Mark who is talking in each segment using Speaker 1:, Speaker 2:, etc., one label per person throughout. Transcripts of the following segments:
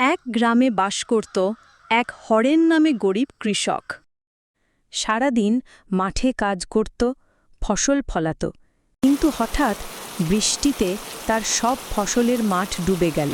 Speaker 1: এক গ্রামে বাস করত এক হরেন নামে গরিব কৃষক। সারাদিন মাঠে কাজ করত, ফসল ফলাত, কিন্তু হঠাৎ বৃষ্টিতে তার সব ফসলের মাঠ ডুবে গেল।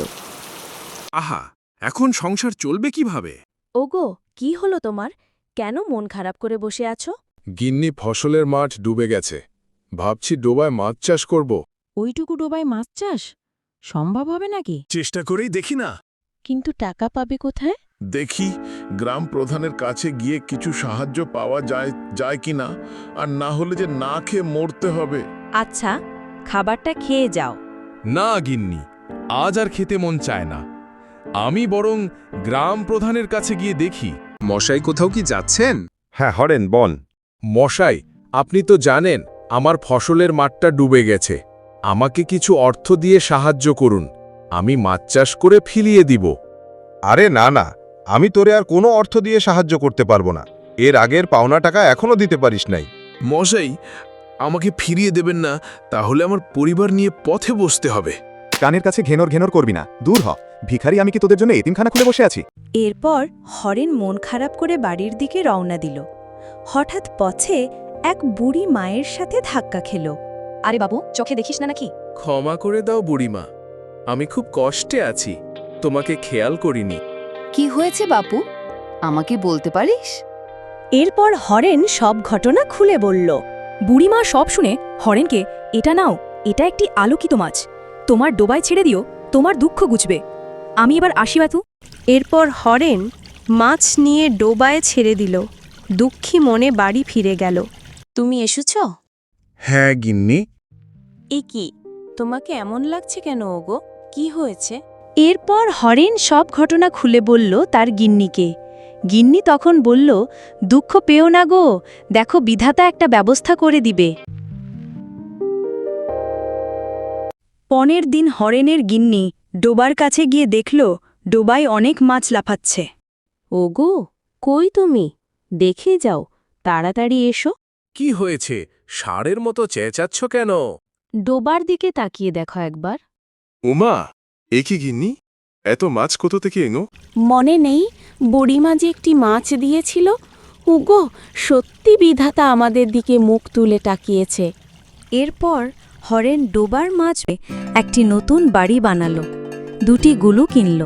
Speaker 2: আহা, এখন সংসার চলবে কিভাবে?
Speaker 3: ওগো, কি হলো তোমার? কেন মন খারাপ করে বসে আছো?
Speaker 4: গিন্নি, ফসলের মাঠ ডুবে গেছে। ভাবছি ডোবায় মাছ চাষ করব।
Speaker 3: ওইটুকু ডোবায় মাছ চাষ সম্ভব হবে নাকি?
Speaker 2: চেষ্টা করেই দেখি না।
Speaker 3: কিন্তু টাকা পাবে কোথায়?
Speaker 5: দেখি গ্রাম প্রধানের কাছে গিয়ে কিছু সাহায্য পাওয়া যায় কিনা, আর না হলে যে না খেয়ে মরতে হবে।
Speaker 3: আচ্ছা, খাবারটা খেয়ে যাও।
Speaker 4: না গিন্নি, আজ আর খেতে মন চায় না। আমি বরং গ্রাম প্রধানের কাছে গিয়ে দেখি।
Speaker 2: মশাই, কোথাও কি যাচ্ছেন?
Speaker 4: হ্যাঁ হরেন, বল। মশাই, আপনি তো জানেন আমার ফসলের মাঠটা ডুবে গেছে। আমাকে কিছু অর্থ দিয়ে সাহায্য করুন, আমি মাছ চাষ করে ফিরিয়ে দিব।
Speaker 6: আরে না না, আমি তোরে আর কোনো অর্থ দিয়ে সাহায্য করতে পারবো না। এর আগের পাওনা টাকা এখনো দিতে পারিস নাই।
Speaker 2: মশাই, আমাকে ফিরিয়ে দেবেন না, তাহলে আমার পরিবার নিয়ে পথে বসতে হবে।
Speaker 7: কানের কাছে ঘেনর ঘেনর করবি না, দূর হ। ভিখারি আমি কি তোদের জন্য এতিমখানা খুলে বসে আছি?
Speaker 1: এরপর হরেন মন খারাপ করে বাড়ির দিকে রওনা দিল। হঠাৎ পথে এক বুড়ি মায়ের সাথে ধাক্কা খেল।
Speaker 3: আরে বাবু, চোখে দেখিস না নাকি?
Speaker 2: ক্ষমা করে দাও বুড়িমা, আমি খুব কষ্টে আছি, তোমাকে খেয়াল করিনি।
Speaker 8: কি হয়েছে বাপু, আমাকে বলতে পারিস?
Speaker 1: এরপর হরেন সব ঘটনা খুলে বলল।
Speaker 9: বুড়িমা সব শুনে হরেনকে, এটা নাও, এটা একটি আলোকিত মাছ, তোমার ডোবায় ছেড়ে দিও, তোমার দুঃখ গুছবে। আমি এবার আসি বাতু।
Speaker 1: এরপর হরেন মাছ নিয়ে ডোবায় ছেড়ে দিল। দুঃখী মনে বাড়ি ফিরে গেল।
Speaker 3: তুমি এসেছ?
Speaker 4: হ্যাঁ গিন্নি।
Speaker 3: এ কি, তোমাকে এমন লাগছে কেন ওগো? কি হয়েছে?
Speaker 1: এরপর হরেন সব ঘটনা খুলে বলল তার গিন্নিকে। গিন্নি তখন বলল, দুঃখ পেও না গো, দেখো বিধাতা একটা ব্যবস্থা করে দিবে। পরের দিন হরেনের গিন্নি ডোবার কাছে গিয়ে দেখল ডোবায় অনেক মাছ লাফাচ্ছে।
Speaker 3: ওগো, কই তুমি? দেখে যাও, তাড়াতাড়ি এসো।
Speaker 2: কি হয়েছে? ষাঁড়ের মতো চেঁচাচ্ছ কেন?
Speaker 3: ডোবার দিকে তাকিয়ে দেখো একবার।
Speaker 4: উমা, এ কি গিন্নি, এত মাছ কোথা থেকে এনো?
Speaker 3: মনে নেই বুড়িমা যে একটি মাছ দিয়েছিল? ওগো, সত্যি বিধাতা আমাদের দিকে মুখ তুলে তাকিয়েছে।
Speaker 1: এরপর হরেন ডোবার মাছ একটি নতুন বাড়ি বানালো, দুটি গুলু কিনল।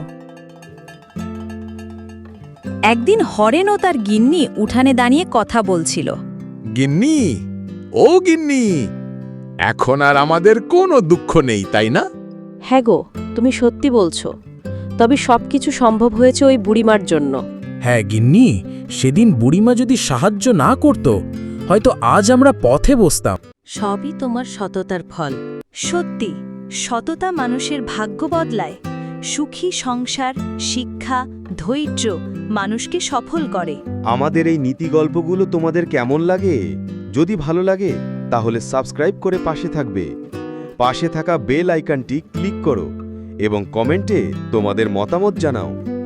Speaker 1: একদিন হরেন ও তার গিন্নি উঠানে দাঁড়িয়ে কথা বলছিল।
Speaker 4: গিন্নি, ও গিন্নি, এখন আর আমাদের কোনো দুঃখ নেই, তাই না?
Speaker 3: হ্যাঁ গো, তুমি সত্যি বলছো। তবে সবকিছু সম্ভব হয়েছে ওই বুড়িমার জন্য।
Speaker 10: হ্যাঁ গিন্নি, সেদিন বুড়িমা যদি সাহায্য না করত, হয়তো আজ আমরা পথে বসতাম।
Speaker 3: সবই তোমার সততার ফল।
Speaker 1: সত্যি, সততা মানুষের ভাগ্য বদলায়। সুখী সংসার, শিক্ষা, ধৈর্য মানুষকে সফল করে।
Speaker 6: আমাদের এই নীতি গল্পগুলো তোমাদের কেমন লাগে? যদি ভালো লাগে তাহলে সাবস্ক্রাইব করে পাশে থাকবে। পাশে থাকা বেল আইকনটি ক্লিক করো এবং কমেন্টে তোমাদের মতামত জানাও।